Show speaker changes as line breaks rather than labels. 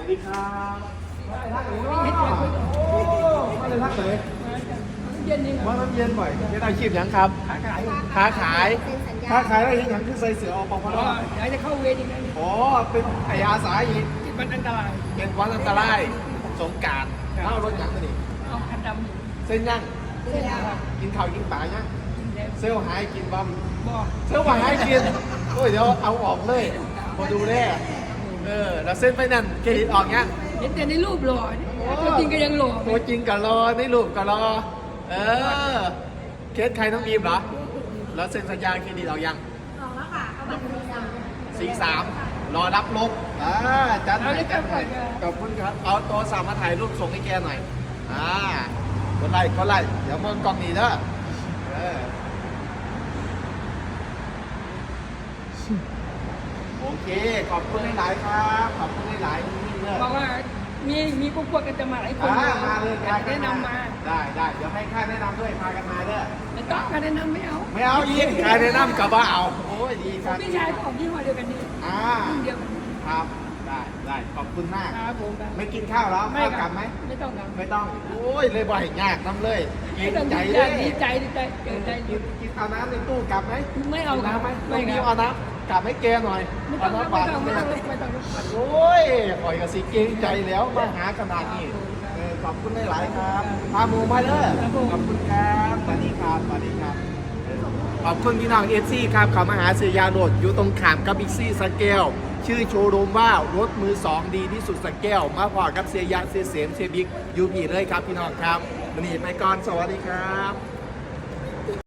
วัสดีครับมาเลยทักเลยมาน้ำเย็นบ่อยเป็นอาชีพยังครับค้าขายได้ยังคือใส่เสือออกปพ
อยากจะเข้าเวรอีกแล้ว
อ๋อเป็นไอ้อาสาอีก
มันอันตราย
เป็นวันอันตรายสงการเล่ารถยังมาดิ
เอาคันดำ
เส้นยัง
เวลา
กินข้าวกินปลายัง
กินแล้ว
เซลล์หายกินบอม
บอก
เซลล์หายกินโอ้ยเดี๋ยวเอาออกเลยพอดูแน่แล้วเส้นไปนั่นเครดิตออกยัง
เห็นแต่ในรูปหล่อตัวจริงก็ยังหล่อ
ตัวจริงก็รอในรูปก็รอเคสใครต้องบีมเหรอแล้วเซ็นสัญญาเครดิตออกยังออกแล้วค่ะเอาบัตร43รอรับลบจัดหน่อยขอบคุณครับเอาตัวสามมาถ่ายรูปส่งให้แกหน่อยก็ไล่เดี๋ยวมองกล้องนี้เด้อโอเคขอบคุณหลายๆครับขอบคุณหลายๆเลย
บอกว่ามีพวกกันจะมาหลายคน
มาเลย
แนะนำมา
ได้เดี๋ยวให้ค่าแนะนำด้วยพากันมาเด้อ
ไม่ต้องการแนะนำไม่เอา
ไม่เอาอีกค่าแนะนำกับว่าเอาโอ้ยดีครับ
พี่ชายของยี่ห้อเดียวกันนี่เดียวกัน
ครับได้ขอบคุณมาก
ครับผม
ไม่กินข้าวแล้วข้าวกลับไหม
ไม่ต้องครับ
ไม่ต้องโอ้ยเลยบ่อยยากน้ำเลยกินใจเลย
ดีใจเกิดใจ
กินเอาน้ำในตู้กลับไหม
ไม่เอาครับ
ไหม
ไม่
ไม่
ครับ
เอาน้ำกลับให้แกหน่อย
ไม่ต้อง
น้ำ
ไม่
ปลา
ต้องไม่ต้องไม่ต้อง
โอ้ยปล่อยกับสีเกรงใจแล้วมาหาขนาดนี้ขอบคุณหลายๆครับพาหมูมาเด้อขอบคุณครับสวัสดีครับขอบคุณพี่น้องเอฟซีครับเขามาหาเสียยาโรดอยู่ตรงขามกับบิ๊กซี่สแกลชื่อโชว์รูมว่ารถมือ2ดีที่สุดสแกลมาพอกับเสียยาเสียเสมเสียบิ๊กยูพีเลยครับพี่น้องครับวันนี้ไปก่อนสวัสดีครับ